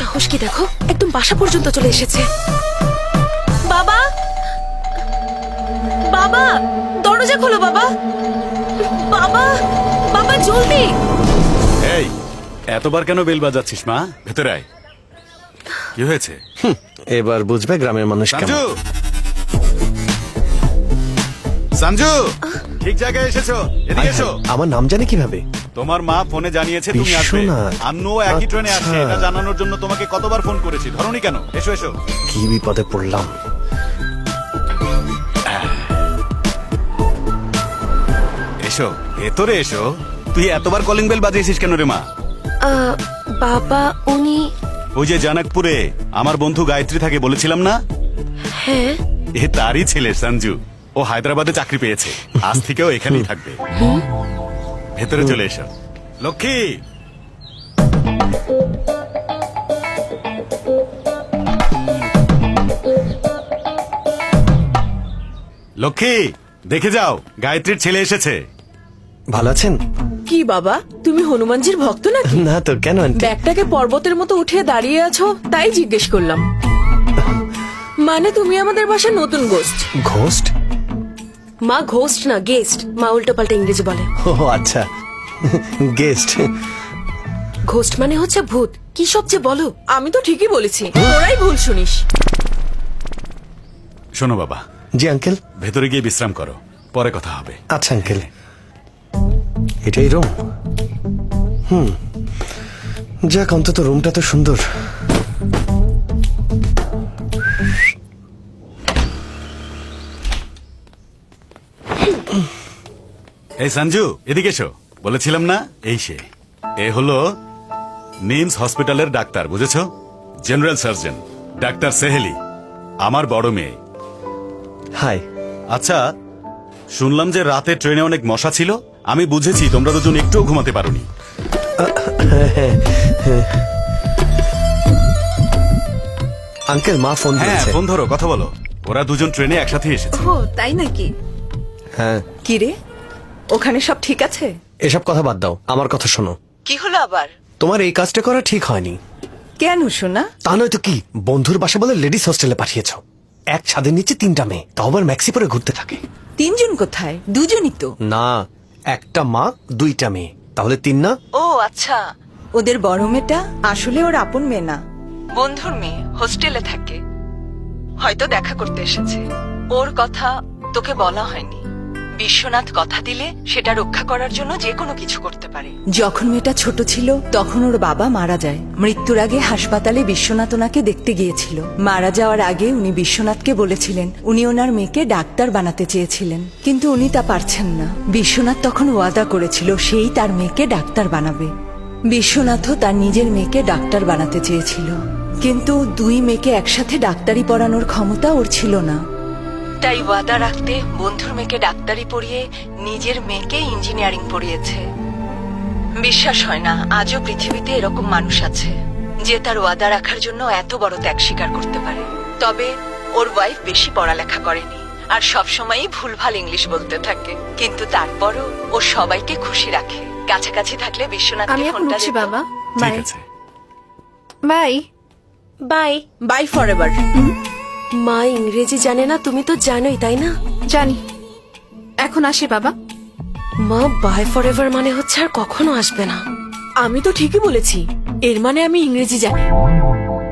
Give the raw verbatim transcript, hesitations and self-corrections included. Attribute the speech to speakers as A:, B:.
A: সাহস কি দেখো, একদম বাসা পর্যন্ত চলে এসেছে। বাবা, বাবা, দরজা খোলো বাবা, বাবা, বাবা জলদি।
B: এই এতবার কেন বেল বাজাচ্ছিস মা? ভেতরে আয়। কি হয়েছে?
C: এবার বুঝবে গ্রামের মানুষ কেমন।
B: সঞ্জু, সঞ্জু, ঠিক জায়গায় এসেছো, এদিকে এসো।
C: আমার নাম জানে কিভাবে?
B: তোমার মা ফোনে জানিয়েছে তুমি আসবে।
C: বিশ্বনাথ।
B: আন্নু একই ট্রেনে আসছে,
C: আচ্ছা।
B: এটা জানানোর জন্য তোমাকে কতবার ফোন করেছি, ধরোনি কেন? এসো এসো।
C: কি বিপদে পড়লাম।
B: এসো ভেতরে এসো। তুই এতবার কলিং বেল বাজিয়েছিস কেন রে মা?
A: আহ, বাবা উনি,
B: ওই যে জানাকপুরে আমার বন্ধু গায়ত্রী থাকে বলেছিলাম না,
A: হ্যাঁ
B: এ তারই ছেলে সঞ্জু। ও হায়দ্রাবাদে চাকরি পেয়েছে, আজ থেকেও এখানেই থাকবে। ভেতরে চলে এসো লক্ষ্মী। লক্ষ্মী, দেখে যাও গায়ত্রীর ছেলে এসেছে।
C: ভালো আছেন?
D: কি বাবা, তুমি হনুমানজির ভক্ত নাকি?
C: না তো, কেন আন্টি?
D: ব্যাগটাকে পর্বতের মতো উঠিয়ে দাঁড়িয়ে আছো, তাই জিজ্ঞেস করলাম। মানে তুমি আমাদের বাসায় নতুন গোস্ট।
C: ঘোস্ট?
A: মা ঘোস্ট না গেস্ট, মা উল্টো পাল্টা ইংরেজি বলে।
C: ও আচ্ছা, গেস্ট।
A: ঘোস্ট মানে হচ্ছে ভূত। কি সব যে বলো।
D: আমি তো ঠিকই বলেছি, তোরাই ভুল শুনিস।
B: শোনো বাবা,
C: জি আঙ্কেল।
B: ভেতরে গিয়ে বিশ্রাম করো, পরে কথা হবে।
C: আচ্ছা আঙ্কেল, এটাই রুম? হুম, যাক অন্তত রুমটা তো সুন্দর।
B: এই সঞ্জু, এদিকে এসো। বলেছিলাম না, এই সে। এ হলো নিমস হসপিটালের ডাক্তার, বুঝেছো? জেনারেল সার্জন ডাক্তার সেহেলি, আমার বড় মেয়ে।
C: হাই।
B: আচ্ছা, শুনলাম যে রাতে ট্রেনে অনেক মশা ছিল। আমি বুঝেছি তোমরা দুজন একটুও ঘুমাতে পারোনি।
C: আঙ্কেল, মা ফোন
B: হ্যাঁ,
C: দিয়েছে।
B: ফোন ধরো, কথা বলো। ওরা দুজন ট্রেনে একসাথে এসেছে।
E: ও তাই নাকি?
C: হ্যাঁ।
E: কি রে, ওখানে সব ঠিক আছে?
C: এসব কথা বাদ দাও, আমার কথা শোনো।
E: কি হলো আবার?
C: তোমার এই কাজটা করা ঠিক হয়নি।
E: কেন শোনা?
C: তা নয়তো কি, বন্ধুর বাসা বলে লেডিস হোস্টেলে পাঠিয়েছ। এক ছাদের নিচে তিনটা মেয়ে, তাও আবার ম্যাক্সি পরে ঘুরতে থাকে।
E: তিনজন কোথায়? দুজনই তো।
C: না, একটা মা দুইটা মেয়ে, তাহলে তিন না?
E: ও আচ্ছা, ওদের বড় মেয়েটা আসলে ওর আপন মেয়ে না, বন্ধুর মেয়ে, হোস্টেলে থাকে। হয়তো দেখা করতে এসেছে। ওর কথা তোকে বলা হয়নি। বিশ্বনাথ কথা দিলে সেটা রক্ষা করার জন্য যে কোনো কিছু করতে পারে। যখন মেয়েটা ছোট ছিল তখন ওর বাবা মারা যায়। মৃত্যুর আগে হাসপাতালে বিশ্বনাথ ওনাকে দেখতে গিয়েছিল। মারা যাওয়ার আগে উনি বিশ্বনাথকে বলেছিলেন উনি ওনার মেয়েকে ডাক্তার বানাতে চেয়েছিলেন, কিন্তু উনি তা পারছেন না। বিশ্বনাথ তখন ওয়াদা করেছিল সেই তার মেয়েকে ডাক্তার বানাবে। বিশ্বনাথও তার নিজের মেয়েকে ডাক্তার বানাতে চেয়েছিল, কিন্তু দুই মেয়েকে একসাথে ডাক্তারি পড়ানোর ক্ষমতা ওর ছিল না। তাই ওয়াদা রাখতে বন্ধুর মেয়েকে ডাক্তারি পড়িয়ে নিজের মেয়েকে ইঞ্জিনিয়ারিং পড়িয়েছে। বিশ্বাস হয় না আজও পৃথিবীতে এরকম মানুষ আছে যে তার ওয়াদা রাখার জন্য এত বড় ত্যাগ স্বীকার করতে পারে। তবে ওর ওয়াইফ বেশি পড়ালেখা করেনি আর সবসময়ই ভুলভাল ইংলিশ বলতে থাকে, কিন্তু তারপরও ও সবাইকে খুশি রাখে। কাছাকাছি থাকলে বিশ্বনাথকে
F: আমি এখন
E: ফোনটা
F: উঠছি
E: দিত।
F: বাবা।
B: ঠিক
F: বাই
B: আছে।
F: বাই।
A: বাই।
D: বাই ফর এভার।
A: মা ইংরেজি জানে না, তুমি তো জানোই তাই না?
F: জানি। এখন আসি বাবা।
A: মা বাই ফর এভার মানে হচ্ছে আর কখনো আসবে না।
D: আমি তো ঠিকই বলেছি, এর মানে আমি ইংরেজি জানি।